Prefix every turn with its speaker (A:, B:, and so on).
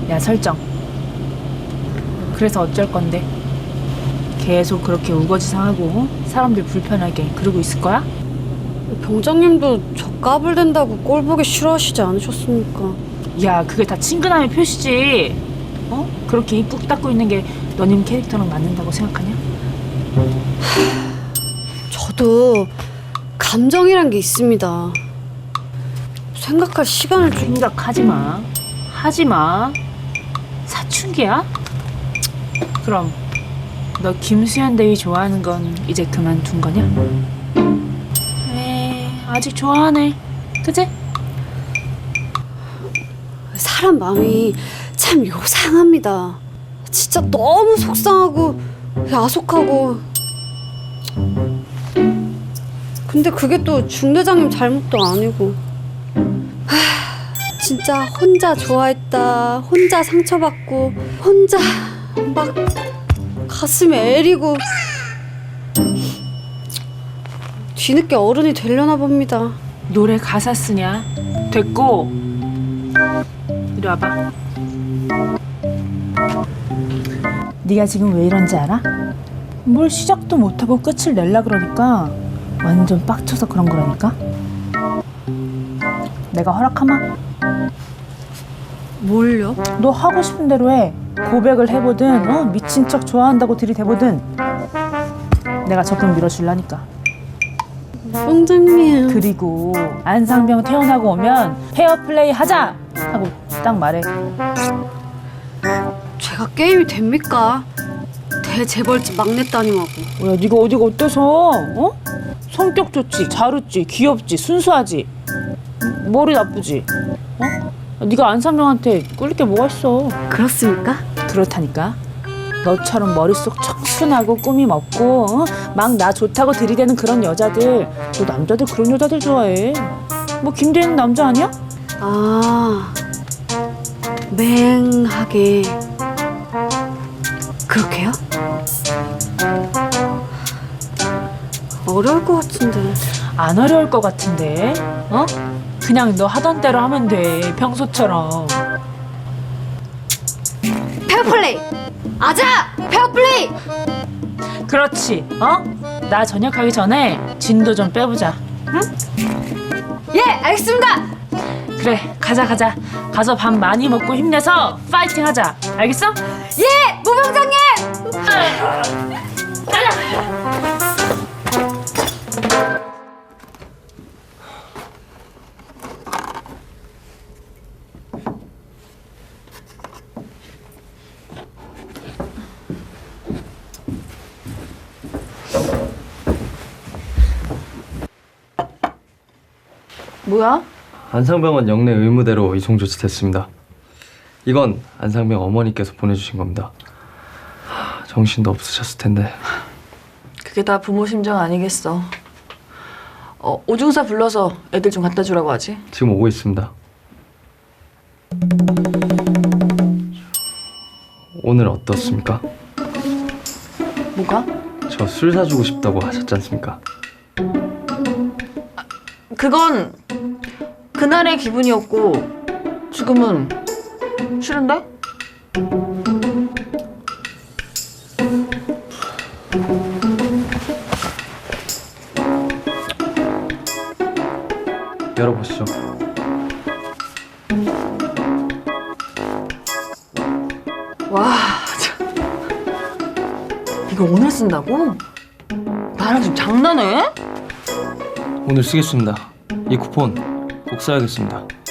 A: 야, 설정. 그래서 어쩔 건데? 계속 그렇게 우거지상하고 사람들 불편하게 그러고 있을 거야?
B: 병장님도 저 까불댄다고 꼴 보기 싫어하시지 않으셨습니까?
A: 야, 그게 다 친근함의 표시지. 어? 그렇게 입 꾹 닫고 있는 게 너님 캐릭터랑 맞는다고 생각하냐?
B: 저도 감정이란 게 있습니다. 생각할 시간을 좀...
A: 생각하지 마. 하지 마. 사춘기야? 그럼 너 김수현 대위 좋아하는 건 이제 그만둔 거냐? 에이, 아직 좋아하네. 그치?
B: 사람 마음이 참 요상합니다. 진짜 너무 속상하고 야속하고. 근데 그게 또 중대장님 잘못도 아니고. 진짜 혼자 좋아했다, 혼자 상처받고, 혼자 막 가슴에 애리고. 뒤늦게 어른이 되려나 봅니다.
A: 노래 가사 쓰냐? 됐고. 이리 와봐. 네가 지금 왜 이런지 알아? 뭘 시작도 못하고 끝을 낼라 그러니까 완전 빡쳐서 그런 거라니까? 내가 허락하마?
B: 뭘요?
A: 너 하고 싶은 대로 해. 고백을 해보든 미친 척 좋아한다고 들이대보든 내가 적극 밀어줄라니까.
B: 병장님.
A: 그리고 안상병 퇴원하고 오면 페어플레이 하자! 하고 딱 말해.
B: 제가 게임이 됩니까? 대재벌집 막내따님하고.
A: 야, 네가 어디가 어때서? 어? 성격 좋지, 잘 웃지, 귀엽지, 순수하지, 머리 나쁘지. 어? 네가 안상병한테 꿀릴 게 뭐가 있어?
B: 그렇습니까?
A: 그렇다니까. 너처럼 머릿속 청순하고 꾸밈 없고 막 나 좋다고 들이대는 그런 여자들, 너 남자들 그런 여자들 좋아해. 뭐 김대희는 남자 아니야?
B: 아, 맹하게 그렇게요? 어려울 것 같은데.
A: 안 어려울 것 같은데. 어? 그냥 너 하던 대로 하면 돼, 평소처럼.
B: 페어플레이! 아자! 페어플레이!
A: 그렇지. 어? 나 전역하기 전에 진도 좀 빼보자. 응?
B: 예, 알겠습니다!
A: 그래, 가자. 가서 밥 많이 먹고 힘내서 파이팅 하자. 알겠어?
B: 예! 모병장님!
A: 뭐야?
C: 안상병원 영내 의무대로 이송 조치됐습니다. 이건 안상병 어머니께서 보내주신 겁니다. 정신도 없으셨을 텐데.
D: 그게 다 부모 심정 아니겠어. 오중사 불러서 애들 좀 갖다 주라고 하지.
C: 지금 오고 있습니다. 오늘 어떻습니까?
D: 뭐가?
C: 저 술 사주고 싶다고 하셨지 않습니까?
D: 그건 그날의 기분이었고 지금은 싫은데?
C: 열어보시죠.
D: 와, 참. 이거 오늘 쓴다고? 나랑 지금 장난해?
C: 오늘 쓰겠습니다. 이 쿠폰 꼭 써야겠습니다.